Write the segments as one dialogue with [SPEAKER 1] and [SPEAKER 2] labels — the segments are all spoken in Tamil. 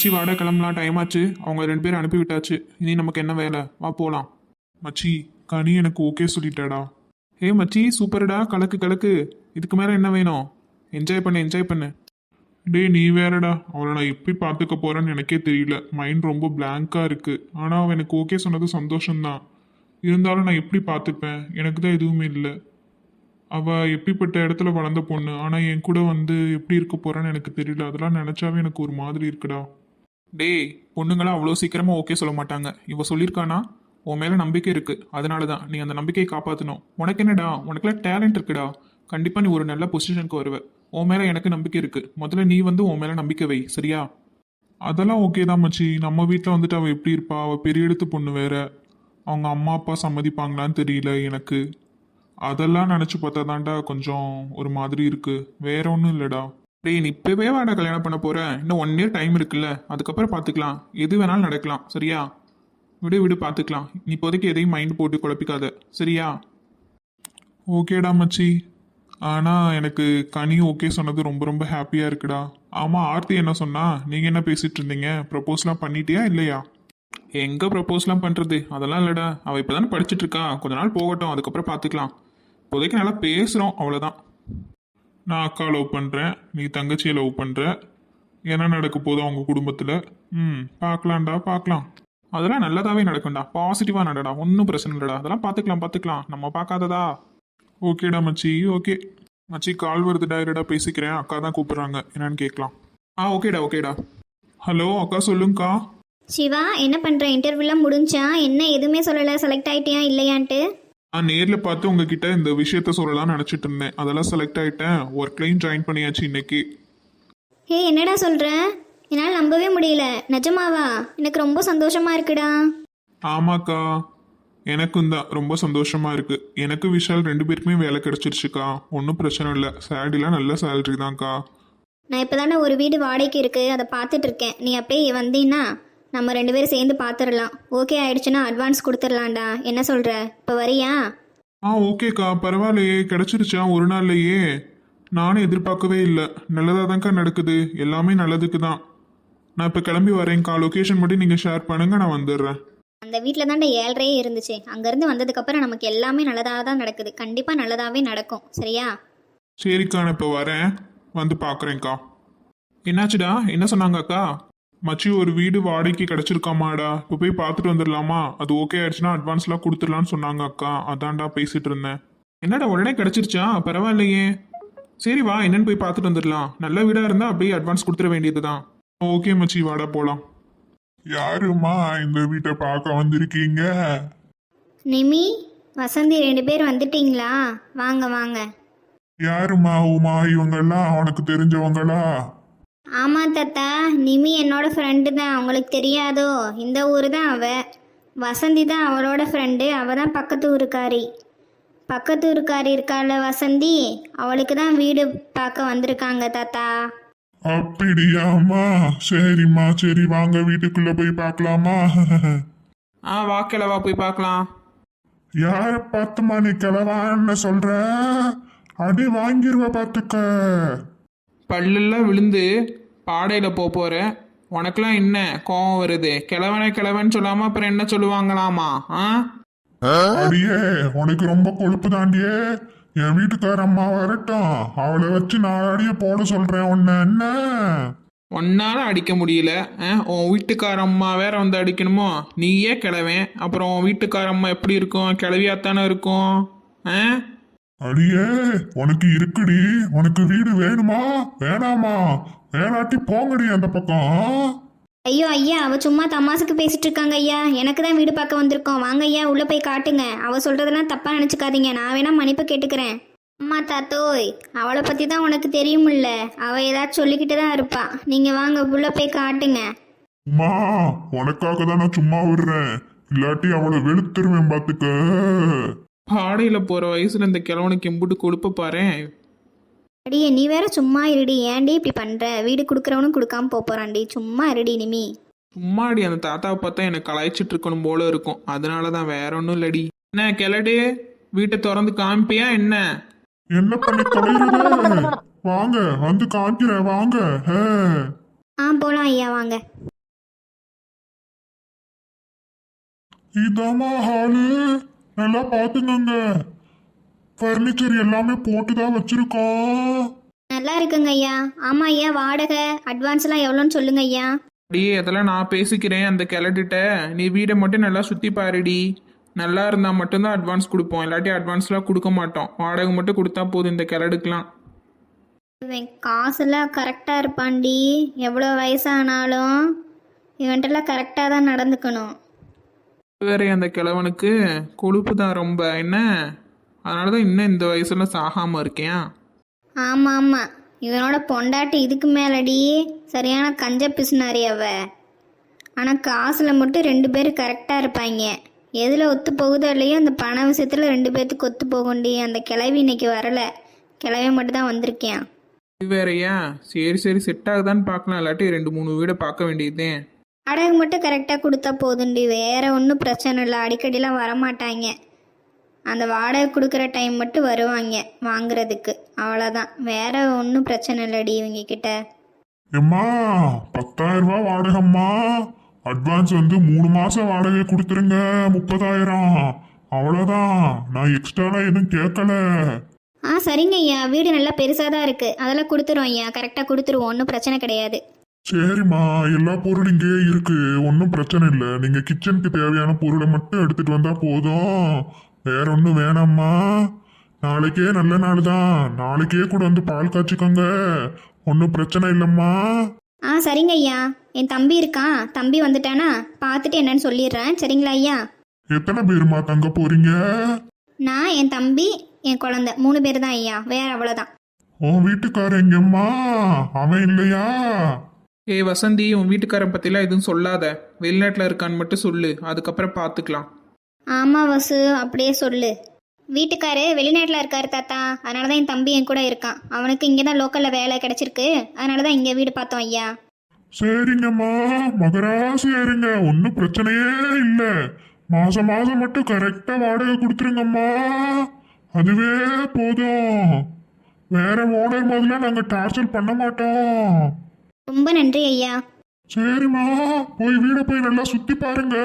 [SPEAKER 1] மச்சி வாடா கிளம்பலாம், டைம் ஆச்சு. அவங்க 2 பேரும் அனுப்பி விட்டாச்சு. இனி நமக்கு என்ன வேலை, வா போலாம். மச்சி கனி எனக்கு ஓகே சொல்லிட்டாடா. ஏ மச்சி சூப்பர்டா, கலக்கு கலக்கு. இதுக்கு மேல என்ன வேணும்? என்ஜாய் பண்ணு என்ஜாய் பண்ணு. டேய் நீ வேறடா, அவளை நான் எப்படி பார்த்துக்க போறேன்னு எனக்கே தெரியல. மைண்ட் ரொம்ப பிளாங்கா இருக்கு. ஆனா அவன் எனக்கு ஓகே சொன்னது சந்தோஷம்தான். இருந்தாலும் நான் எப்படி பார்த்துப்பேன்? எனக்கு தான் எதுவுமே இல்லை. அவ எப்படிப்பட்ட இடத்துல வளர்ந்த பொண்ணு, ஆனா என் கூட வந்து எப்படி இருக்க போறான்னு எனக்கு தெரியல. அதெல்லாம் நினைச்சாவே எனக்கு ஒரு மாதிரி இருக்குடா. டேய், பொண்ணுங்களாம் அவ்வளோ சீக்கிரமா ஓகே சொல்ல மாட்டாங்க. இவ சொல்லியிருக்கானா உன் மேல நம்பிக்கை இருக்கு, அதனால தான் நீ அந்த நம்பிக்கையை காப்பாற்றணும். உனக்கு என்னடா, உனக்குலாம் டேலண்ட் இருக்குடா. கண்டிப்பா நீ ஒரு நல்ல பொசிஷனுக்கு வருவ. உன் மேல எனக்கு நம்பிக்கை இருக்கு. முதல்ல நீ வந்து உன் மேல நம்பிக்கை வை, சரியா? அதெல்லாம் ஓகே தான் மச்சி. நம்ம வீட்டில் வந்துட்டு அவள் எப்படி இருப்பா? அவள் பெரிய எடுத்து பொண்ணு வேற. அவங்க அம்மா அப்பா சம்மதிப்பாங்களான்னு தெரியல எனக்கு. அதெல்லாம் நினச்சி பார்த்தா தான்டா கொஞ்சம் ஒரு மாதிரி இருக்கு. வேற ஒன்றும் இல்லைடா. டேய் நீ இப்போவே வாடா கல்யாணம் பண்ண போற. இன்னும் 1 இயர் டைம் இருக்குல்ல, அதுக்கப்புறம் பார்த்துக்கலாம். எது வேணாலும் நடக்கலாம், சரியா? விடு விடு பார்த்துக்கலாம். நீ இப்போதைக்கு எதையும் மைண்ட் போட்டு குழப்பிக்காத, சரியா? ஓகேடா மச்சி. ஆனால் எனக்கு கனி ஓகே சொன்னது ரொம்ப ரொம்ப ஹாப்பியாக இருக்குடா. ஆமாம், ஆர்த்தி என்ன சொன்னா? நீங்கள் என்ன பேசிட்டு இருந்தீங்க? ப்ரப்போஸ்லாம் பண்ணிட்டியா இல்லையா? எங்கே ப்ரப்போஸ்லாம் பண்ணுறது? அதெல்லாம் இல்லைடா. அவள் இப்போ தானே படிச்சுட்டு இருக்கா. கொஞ்ச நாள் போகட்டும், அதுக்கப்புறம் பார்த்துக்கலாம். இப்போதைக்கு நல்லா பேசுகிறோம், அவ்வளோதான். நான் அக்கா லவ் பண்ணுறேன், நீ தங்கச்சியை லவ் பண்ணுற. என்ன நடக்க போதும் அவங்க குடும்பத்தில்? பார்க்கலாம்டா பார்க்கலாம். அதெல்லாம் நல்லதாகவே நடக்கும்டா. பாசிட்டிவாக நடடா, ஒன்றும் பிரச்சனை இல்லைடா. அதெல்லாம் பார்த்துக்கலாம். நம்ம பார்க்காததா? ஓகேடா மச்சி, ஓகே. மச்சி கால் வருதுடா, இருடா பேசிக்கிறேன். அக்கா தான் கூப்பிட்றாங்க, என்னன்னு கேட்கலாம். ஓகேடா. ஹலோ அக்கா, சொல்லுங்கக்கா.
[SPEAKER 2] சிவா, என்ன பண்ற? இன்டர்வியூலாம் முடிஞ்சா? என்ன எதுவுமே சொல்லல, செலக்ட் ஆயிட்டியா இல்லையான்ட்டு?
[SPEAKER 1] நான் நேரில் பார்த்து உங்ககிட்ட இந்த விஷயத்த சொல்லலாம்னு நினச்சிட்டு இருந்தேன். அதெல்லாம் செலக்ட் ஆகிட்டேன். ஒர்க்லையும் ஜாயின் பண்ணியாச்சு இன்னைக்கு.
[SPEAKER 2] ஹே, என்னடா சொல்ற? என்னால் நம்பவே முடியல. நிஜமாவா? எனக்கு ரொம்ப சந்தோஷமா இருக்குடா.
[SPEAKER 1] ஆமாக்கா, எனக்கும் தான் ரொம்ப சந்தோஷமா இருக்கு. எனக்கு விஷால் 2 பேருக்குமே வேலை கிடைச்சிருச்சுக்கா. ஒன்றும் பிரச்சனை இல்லை. சேலரிலாம் நல்ல சேலரி தான்க்கா.
[SPEAKER 2] நான் இப்போதானே ஒரு வீடு வாடகைக்கு இருக்கு, அதை பார்த்துட்டு இருக்கேன். நீ அப்படியே வந்தீன்னா நம்ம 2 பேரும் சேர்ந்து பார்த்துடலாம். ஓகே ஆயிடுச்சுன்னா அட்வான்ஸ் கொடுத்துடலாம்டா. என்ன சொல்ற? இப்போ வரியா?
[SPEAKER 1] ஓகேக்கா, பரவாயில்லையே. கிடைச்சிருச்சா ஒரு நாள்லையே? நானும் எதிர்பார்க்கவே இல்லை. நல்லதாக தான்க்கா நடக்குது. எல்லாமே நல்லதுக்கு தான். நான் இப்போ கிளம்பி வரேன்க்கா. லொக்கேஷன் மட்டும் நீங்கள் ஷேர் பண்ணுங்க, நான் வந்துடுறேன்.
[SPEAKER 2] அந்த வீட்டில் தாண்டா 7:30 இருந்துச்சு. அங்கேருந்து வந்ததுக்கப்புறம் நமக்கு எல்லாமே நல்லதாக தான் நடக்குது. கண்டிப்பாக நல்லதாகவே நடக்கும், சரியா?
[SPEAKER 1] சரிக்கா, நான் இப்போ வரேன், வந்து பார்க்குறேன்க்கா. என்னாச்சுடா, என்ன சொன்னாங்க அக்கா? மச்சி ஒரு வீடு வாடகைக்கு கிடச்சிருக்காமாடா. இப்போ போய் பார்த்துட்டு வந்துடலாமா? அது ஓகே ஆயிடுச்சுன்னா அட்வான்ஸ்லாம் கொடுத்துடலான்னு சொன்னாங்க அக்கா. அதான்டா பேசிட்டு இருந்தேன். என்னடா உடனே கிடச்சிருச்சா? பரவாயில்லையே. சரி வா, என்னன்னு போய் பார்த்துட்டு வந்துடலாம். நல்ல வீடாக இருந்தால் அப்படியே அட்வான்ஸ் கொடுத்துட வேண்டியது தான். ஓகே மச்சி, வாடா போகலாம்.
[SPEAKER 3] யாருமா இந்த வீட்டை பார்க்க வந்திருக்கீங்க?
[SPEAKER 2] நிமி, வசந்தி 2 பேர் வந்துட்டீங்களா? வாங்க வாங்க.
[SPEAKER 3] யாருமா உமா? இவங்கெல்லாம் அவனுக்கு தெரிஞ்சவங்களா?
[SPEAKER 2] ஆமாம் தாத்தா, நிமி என்னோட ஃப்ரெண்டு தான். உங்களுக்கு தெரியாதோ? இந்த ஊர் தான் அவ. வசந்தி தான் அவளோட ஃப்ரெண்டு. அவள் தான் பக்கத்து ஊருக்காரி. பக்கத்து ஊருக்காரி இருக்கால வசந்தி, அவளுக்கு தான் வீடு பார்க்க வந்திருக்காங்க தாத்தா.
[SPEAKER 3] அப்படியாம்மா? சரிம்மா, சரி வாங்க வீட்டுக்குள்ள போய் பார்க்கலாமா?
[SPEAKER 1] வா கிளவா, போய் பார்க்கலாம்.
[SPEAKER 3] யார பார்த்துமா நீ கிளவான்னு சொல்ற? அடி வாங்கிருவ பார்த்துக்க.
[SPEAKER 1] பல்லெல்லாம் விழுந்து பாடையில் போகிற உனக்கெல்லாம் என்ன கோவம் வருது? கிழவன்னு சொல்லாமல் அப்புறம் என்ன சொல்லுவாங்களாமா?
[SPEAKER 3] அடியே, உனக்கு ரொம்ப கொழுப்பு தாண்டியே. என் வீட்டுக்கார அம்மா வரட்டும், அவளை வச்சு நாளாடிய போட சொல்றேன். உன்ன என்ன
[SPEAKER 1] ஒன்னால அடிக்க முடியல. உன் வீட்டுக்கார அம்மா வேற வந்து அடிக்கணுமோ? நீயே கிழவன், அப்புறம் உன் வீட்டுக்கார அம்மா எப்படி இருக்கும்? கிளவியாத்தானே இருக்கும்.
[SPEAKER 3] அடியே, உனக்கு இருக்குடி. உனக்கு வீடு வேணுமா வேணாமா? வேணாட்டி போங்கடி அந்த பக்கம்.
[SPEAKER 2] ஐயோ ஐயா, அவ சும்மா தமாசுக்கு பேசிட்டு இருக்காங்க ஐயா. எனக்கு தான் வீடு பார்க்க வந்திருக்கோம். வாங்க ஐயா, உள்ள போய் காட்டுங்க. அவ சொல்றதெல்லாம் தப்பா நினைச்சுக்காதீங்க. நான் வேணா மன்னிப்பு கேட்டுக்கிறேன். அம்மா தாத்தோய், அவளை பத்தி தான் உனக்கு தெரியுமில்ல. அவ ஏதாச்சும் சொல்லிக்கிட்டு தான் இருப்பா. நீங்க வாங்க, உள்ள போய் காட்டுங்க.
[SPEAKER 3] அம்மா, உனக்காக தான் நான் சும்மா விடுறேன். இல்லாட்டி அவளை வெளுத்துருவேன் பாத்துக்க.
[SPEAKER 1] பாடையில் போகிற வயசுல இந்த கிழவனுக்கு எம்புட்டு கொடுப்ப பாரு.
[SPEAKER 2] அடியே, நீ வேற சும்மா இருடி. ஏன்டி இப்படி பண்ற? வீடு கொடுக்குறவனும் கொடுக்காம போறான்டி. சும்மா இருடி நிமி.
[SPEAKER 1] சும்மாடி, அந்த தாத்தாவை பார்த்தா எனக்கு கலாய்ச்சிட்டு இருக்கணும் போல இருக்கும். அதனால தான், வேற ஒன்றும் இல்லடி. என்ன கிளடு, வீட்டை திறந்து காமிப்பியா என்ன?
[SPEAKER 3] என்ன பண்ணி தொலைறது? வாங்க வந்து காமிக்கிறேன், வாங்க.
[SPEAKER 2] போலாம் ஐயா, வாங்க.
[SPEAKER 3] இதாம்மா ஹாலு. நல்லா பாத்துக்கோங்க. ஃபர்னிச்சர் எல்லாமே போட்டு தான் வச்சிருக்கோம்.
[SPEAKER 2] நல்லா இருக்குங்க ஐயா. ஆமாம் ஐயா, வாடகை அட்வான்ஸ்லாம் எவ்வளோன்னு சொல்லுங்க ஐயா.
[SPEAKER 1] அடியே அதெல்லாம் நான் பேசிக்கிறேன் அந்த கிளட்டிட்ட. நீ வீடை மட்டும் நல்லா சுற்றி பாருடி. நல்லா இருந்தால் மட்டும்தான் அட்வான்ஸ் கொடுப்போம், இல்லாட்டி அட்வான்ஸ்லாம் கொடுக்க மாட்டோம். வாடகை மட்டும் கொடுத்தா போதும் இந்த கிளடுக்கெலாம்.
[SPEAKER 2] இவன் காசுலாம் கரெக்டாக இருப்பான்டி. எவ்வளோ வயசானாலும் இவன்ட்டெல்லாம் கரெக்டாக தான் நடந்துக்கணும்.
[SPEAKER 1] வேற அந்த கிழவனுக்கு கொழுப்பு தான் ரொம்ப என்ன, அதனால தான் இன்னும் இந்த வயசுல சாகாமல் இருக்கேன்.
[SPEAKER 2] ஆமாம் ஆமாம், இவனோட பொண்டாட்டி இதுக்கு மேலடி சரியான கஞ்ச பிசுனாரி அவ. ஆனால் காசில் மட்டும் 2 பேரும் கரெக்டாக இருப்பாங்க. எதில் ஒத்து போகுதோ இல்லையோ அந்த பண விஷயத்தில் 2 பேர்த்துக்கு ஒத்து போகும்டி. அந்த கிளவி இன்னைக்கு வரலை, கிளவி மட்டும் தான் வந்திருக்கேன்.
[SPEAKER 1] இது வேறயா? சரி சரி, செட் ஆகுதான்னு பார்க்கலாம், இல்லாட்டி 2-3 வீடை பார்க்க வேண்டியதே.
[SPEAKER 2] வாடகை மட்டும் கரெக்டாக கொடுத்தா போதுண்டி, வேற ஒன்றும் பிரச்சனை இல்லை. அடிக்கடிலாம் வரமாட்டாங்க. அந்த வாடகை கொடுக்குற டைம் மட்டும் வருவாங்க வாங்குறதுக்கு, அவ்வளோதான். வேற ஒன்றும் பிரச்சனை இல்லடி இவங்க கிட்ட.
[SPEAKER 3] எம்மா 10,000 ரூபாய் வாடகைம்மா. அட்வான்ஸ் வந்து 3 மாசம் வாடகை கொடுத்துருங்க. 30,000. அவ்வளோதான். நான் எக்ஸ்ட்ராலாம் எதுவும் கேட்கல.
[SPEAKER 2] சரிங்க ஐயா, வீடு நல்லா பெருசாக தான் இருக்குது. அதெல்லாம் கொடுத்துருவோம் ஐயா, கரெக்டாக கொடுத்துருவோம், ஒன்றும் பிரச்சனை கிடையாது.
[SPEAKER 3] சரிம்மா, எல்லா பொருளும் இங்கே இருக்கு, ஒன்றும் பிரச்சனை இல்லை. நீங்க கிச்சனுக்கு தேவையான பொருளை மட்டும் எடுத்துட்டு வந்தா போதும். வேற ஒன்றும் வேணாம்மா. நாளைக்கே நல்ல நாள் தான், நாளைக்கே கூட வந்து பால் காய்ச்சிக்கோங்க, ஒன்றும் பிரச்சனை இல்லைம்மா.
[SPEAKER 2] சரிங்க ஐயா. என் தம்பி இருக்கான், தம்பி வந்துட்டானா பார்த்துட்டு என்னன்னு சொல்லிடுறேன். சரிங்களா ஐயா?
[SPEAKER 3] எத்தனை பேருமா தங்க போறீங்க?
[SPEAKER 2] நான், என் தம்பி, என் குழந்தை 3 பேர் தான் ஐயா, வேற அவ்வளோதான்.
[SPEAKER 3] உன் வீட்டுக்காரன் எங்கம்மா? அவன் இல்லையா?
[SPEAKER 1] ஏய் வசந்தி, உன் வீட்டுக்காரன் பற்றிலாம் எதுவும் சொல்லாத. வெளிநாட்டில் இருக்கான்னு மட்டும் சொல்லு, அதுக்கப்புறம் பார்த்துக்கலாம்.
[SPEAKER 2] ஆமாம் வசு, அப்படியே சொல்லு. வீட்டுக்காரு வெளிநாட்டில் இருக்காரு தாத்தா, அதனால தான் என் தம்பி என் கூட இருக்கான். அவனுக்கு இங்கே தான் லோக்கலில் வேலை கிடச்சிருக்கு, அதனால தான் இங்கே வீடு பார்த்தோம் ஐயா.
[SPEAKER 3] சரிங்கம்மா, மகராசி இருங்க, ஒன்றும் பிரச்சனையே இல்லை. மாசம் மாசம் மட்டும் கரெக்டா வாடகை கொடுத்துருங்கம்மா, அதுவே போதும். வேற ஓனர் முதல்ல நாங்க டார்ச்சர் பண்ண மாட்டோம்.
[SPEAKER 2] ரொம்ப நன்றி ஐயா.
[SPEAKER 3] சரிம்மா, போய் வீட போய் நல்லா சுத்தி பாருங்க.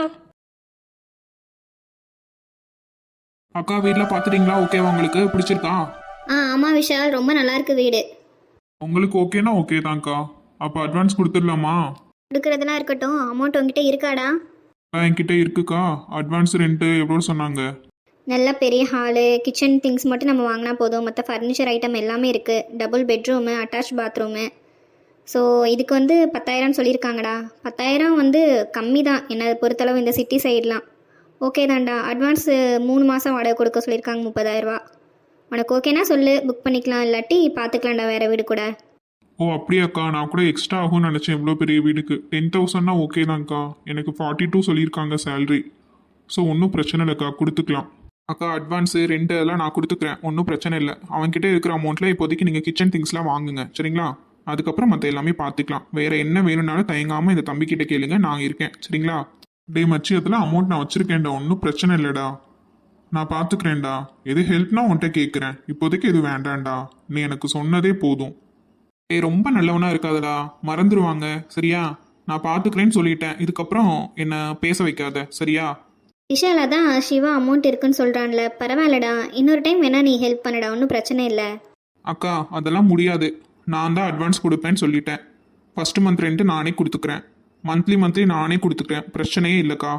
[SPEAKER 1] அக்கா வீட்டில் பார்த்துட்டீங்களா? ஓகேவா? உங்களுக்கு பிடிச்சிருக்கா?
[SPEAKER 2] ஆமாம் விஷால், ரொம்ப நல்லா இருக்கு வீடு.
[SPEAKER 1] உங்களுக்கு ஓகேனா ஓகே தான்க்கா. அப்போ அட்வான்ஸ் கொடுத்துடலாமா?
[SPEAKER 2] கொடுக்குறதுலாம் இருக்கட்டும், அமௌண்ட் உங்ககிட்ட இருக்காடா?
[SPEAKER 1] என்கிட்ட இருக்குக்கா. அட்வான்ஸ் ரெண்ட்டு எவ்வளோ சொன்னாங்க?
[SPEAKER 2] நல்ல பெரிய ஹாலு, கிச்சன் திங்ஸ் மட்டும் நம்ம வாங்கினா போதும். மற்ற ஃபர்னிச்சர் ஐட்டம் எல்லாமே இருக்குது. Double bedroom, attach bathroom. So இதுக்கு வந்து 10,000 சொல்லியிருக்காங்கடா. 10,000 வந்து கம்மி தான் என்னை பொறுத்தளவு இந்த சிட்டி சைட்லாம். ஓகே தான்டா. அட்வான்ஸ் 3 மாதம் வாடகை கொடுக்க சொல்லியிருக்காங்க, 30,000 ரூபா. உனக்கு ஓகேனா சொல்லு, புக் பண்ணிக்கலாம், இல்லாட்டி பார்த்துக்கலாம்டா வேறு வீடு கூட.
[SPEAKER 1] ஓ அப்படியாக்கா, நான் கூட எக்ஸ்ட்ரா ஆகும்னு நினச்சேன். இவ்வளோ பெரிய வீடுக்கு 10,000னா ஓகே தான்க்கா. எனக்கு 42 சொல்லியிருக்காங்க சேல்ரி. ஸோ ஒன்றும் பிரச்சனை இல்லைக்கா, கொடுத்துக்கலாம். அக்கா அட்வான்ஸு ரெண்ட் எல்லாம் நான் கொடுத்துக்கிறேன், ஒன்றும் பிரச்சனை இல்லை. அவன்கிட்ட இருக்கிற அமௌண்ட்டில் இப்போதைக்கு நீங்கள் கிச்சன் திங்ஸ்லாம் வாங்குங்க, சரிங்களா? அதுக்கப்புறம் மற்ற எல்லாமே பார்த்துக்கலாம். வேறு என்ன வேணும்னாலும் தயங்காமல் இந்த தம்பிக்கிட்ட கேளுங்க, நான் இருக்கேன், சரிங்களா? டே மச்சி, அதெல்லாம் அமௌண்ட் நான் வச்சுருக்கேன்டா, ஒன்றும் பிரச்சனை இல்லைடா, நான் பார்த்துக்கிறேன்டா. எது ஹெல்ப்னா உன்கிட்ட கேட்குறேன், இப்போதைக்கு எது வேண்டாம்டா, நீ எனக்கு சொன்னதே போதும். ஏய் ரொம்ப நல்லவனா இருக்காதடா, மறந்துடுவாங்க, சரியா? நான் பார்த்துக்கிறேன்னு சொல்லிட்டேன், இதுக்கப்புறம் என்ன பேச வைக்காத, சரியா?
[SPEAKER 2] விஷால், அதான் சிவா அமௌண்ட் இருக்குன்னு சொல்கிறான்ல, பரவாயில்லடா, இன்னொரு டைம் வேணால் நீ ஹெல்ப் பண்ணடா, ஒன்றும் பிரச்சனை இல்லை.
[SPEAKER 1] அக்கா அதெல்லாம் முடியாது, நான் தான் அட்வான்ஸ் கொடுப்பேன்னு சொல்லிட்டேன். ஃபஸ்ட்டு மந்த் ரெண்ட்டு நானே கொடுத்துக்கிறேன், மந்த்லி நானே கொடுத்துக்கிறேன், பிரச்சனையே இல்லைக்கா.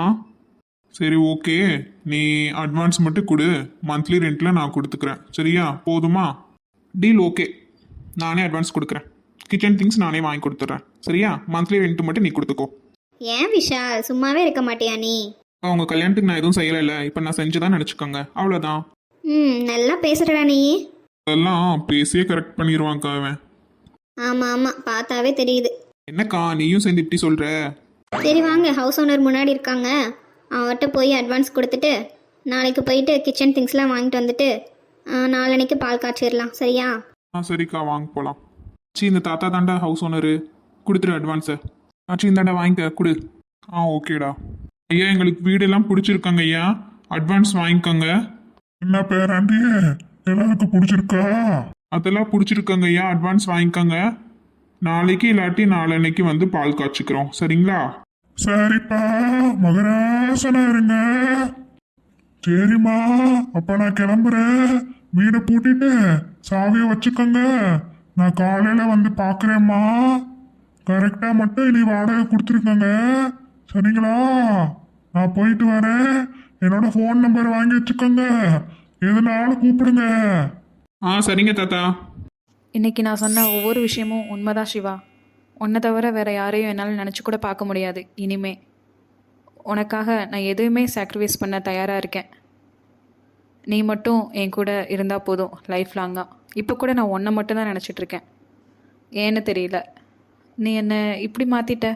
[SPEAKER 1] சரி ஓகே, நீ அட்வான்ஸ் மட்டும் கொடு, மந்த்லி ரெண்ட்டில் நான் கொடுத்துக்கிறேன், சரியா? போதுமா? டீல் ஓகே, நானே அட்வான்ஸ் கொடுக்குறேன், கிச்சன் திங்ஸ் நானே வாங்கி கொடுத்துட்றேன், சரியா? மந்த்லி ரெண்ட்டு மட்டும் நீ கொடுத்துக்கோ.
[SPEAKER 2] ஏன் விஷால், சும்மாவே இருக்க மாட்டியா நீ?
[SPEAKER 1] உங்கள் கல்யாணத்துக்கு நான் எதுவும் செய்யலை, இப்போ நான் செஞ்சுதான் நினச்சிக்கோங்க, அவ்வளோதான்.
[SPEAKER 2] நல்லா பேசுகிறடா நீ.
[SPEAKER 1] அதெல்லாம் பேசியே கரெக்ட் பண்ணிடுவாங்க்கா அவன்.
[SPEAKER 2] ஆமாம், பார்த்தாவே தெரியுது.
[SPEAKER 1] என்னக்கா நீயும் சேர்ந்து இப்படி சொல்கிற?
[SPEAKER 2] சரி வாங்க, ஹவுஸ் ஓனர் முன்னாடி இருக்காங்க, அவர்கிட்ட போய் அட்வான்ஸ் கொடுத்துட்டு நாளைக்கு போயிட்டு கிச்சன் திங்ஸ்லாம் வாங்கிட்டு வந்துட்டு நாளன்னைக்கு பால் காய்ச்சிடலாம், சரியா?
[SPEAKER 1] சரிக்கா, வாங்க போகலாம். இந்த தாத்தா தாண்டா ஹவுஸ் ஓனரு, கொடுத்துரு அட்வான்ஸை. இந்தாண்டா வாங்கிக்க, கொடு. ஓகேடா. ஐயா எங்களுக்கு வீடெல்லாம் பிடிச்சிருக்காங்க ஐயா, அட்வான்ஸ் வாங்கிக்கோங்க.
[SPEAKER 3] என்ன பேராண்டி, எல்லாருக்கும் பிடிச்சிருக்கா?
[SPEAKER 1] அதெல்லாம் பிடிச்சிருக்காங்க ஐயா, அட்வான்ஸ் வாங்கிக்கோங்க. நாளைக்கு இல்லாட்டி நாளன்னைக்கு வந்து பால் காய்ச்சிக்கிறோம், சரிங்களா?
[SPEAKER 3] சரிப்பா மகராசனா இருங்க. சரிம்மா, அப்ப நான் கிளம்புறேன். வீடை பூட்டிட்டு சாவியை வச்சுக்கோங்க. நான் காலையில வந்து பாக்குறேம்மா. கரெக்டா மட்டும் இனி வாடகை கொடுத்துருக்கோங்க. சரிங்களா? நான் போயிட்டு வரேன். என்னோட ஃபோன் நம்பர் வாங்கி வச்சுக்கோங்க. எதுனாலும் கூப்பிடுங்க.
[SPEAKER 1] சரிங்க தாத்தா.
[SPEAKER 4] இன்னைக்கு நான் சொன்ன ஒவ்வொரு விஷயமும் உண்மைதான் சிவா. உன்னை தவிர வேற யாரையும் என்னால் நினச்சி கூட பார்க்க முடியாது இனிமே. உனக்காக நான் எதுவுமே சாக்ரிஃபைஸ் பண்ண தயாராக இருக்கேன். நீ மட்டும் என் கூட இருந்தால் போதும் லைஃப் லாங்காக. இப்போ கூட நான் உன்னை மட்டும் தான் நினச்சிட்ருக்கேன். ஏன்னு தெரியல, நீ என்னை இப்படி மாற்றிட்ட.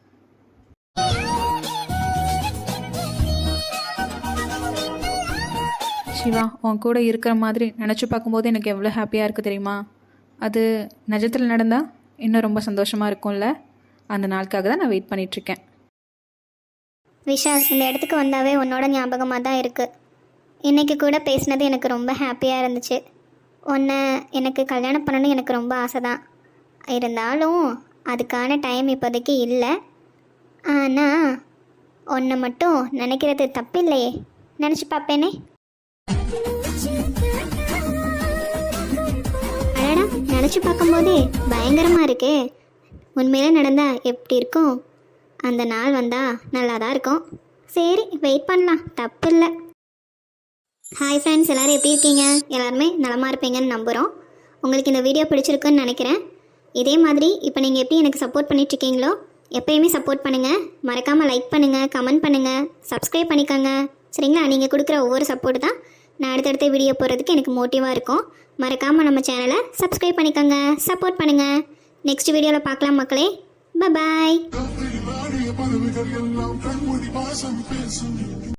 [SPEAKER 4] சிவா, உன் கூட இருக்கிற மாதிரி நினச்சி பார்க்கும்போது எனக்கு எவ்வளோ ஹாப்பியாக இருக்குது தெரியுமா? அது நிஜத்தில் நடந்தால் இன்னும் ரொம்ப சந்தோஷமாக இருக்கும்ல. அந்த நாளுக்காக தான் நான் வெயிட் பண்ணிகிட்ருக்கேன்.
[SPEAKER 2] விஷால், இந்த இடத்துக்கு வந்தாவே உன்னோட ஞாபகமாக தான் இருக்குது. இன்றைக்கி கூட பேசினது எனக்கு ரொம்ப ஹாப்பியாக இருந்துச்சு. உன்னை எனக்கு கல்யாணம் பண்ணணும்னு எனக்கு ரொம்ப ஆசை தான். இருந்தாலும் அதுக்கான டைம் இப்போதைக்கு இல்லை. ஆனால் உன்னை மட்டும் நினைக்கிறது தப்பில்லையே, நினச்சி பார்ப்பேனே. அடடா, நினச்சி பார்க்கும்போதே பயங்கரமாக இருக்கே. உண்மையிலே நடந்தால் எப்படி இருக்கும்? அந்த நாள் வந்தால் நல்லா தான் இருக்கும். சரி, வெயிட் பண்ணலாம், தப்பு இல்லை. ஹாய் ஃப்ரெண்ட்ஸ், எல்லோரும் எப்படி இருக்கீங்க? எல்லாருமே நலமாக இருப்பீங்கன்னு நம்புகிறோம். உங்களுக்கு இந்த வீடியோ பிடிச்சிருக்குன்னு நினைக்கிறேன். இதே மாதிரி இப்போ நீங்கள் எப்படி எனக்கு சப்போர்ட் பண்ணிகிட்ருக்கீங்களோ எப்போயுமே சப்போர்ட் பண்ணுங்கள். மறக்காமல் லைக் பண்ணுங்கள், கமெண்ட் பண்ணுங்கள், சப்ஸ்கிரைப் பண்ணிக்கோங்க. சரிங்களா? நீங்கள் கொடுக்குற ஒவ்வொரு சப்போர்ட் தான் நான் அடுத்தடுத்த வீடியோ போகிறதுக்கு எனக்கு மோட்டிவாக இருக்கும். மறக்காமல் நம்ம சேனலை சப்ஸ்கிரைப் பண்ணிக்கோங்க, சப்போர்ட் பண்ணுங்கள். நெக்ஸ்ட் வீடியோவில் பார்க்கலாம் மக்களே. பாய்.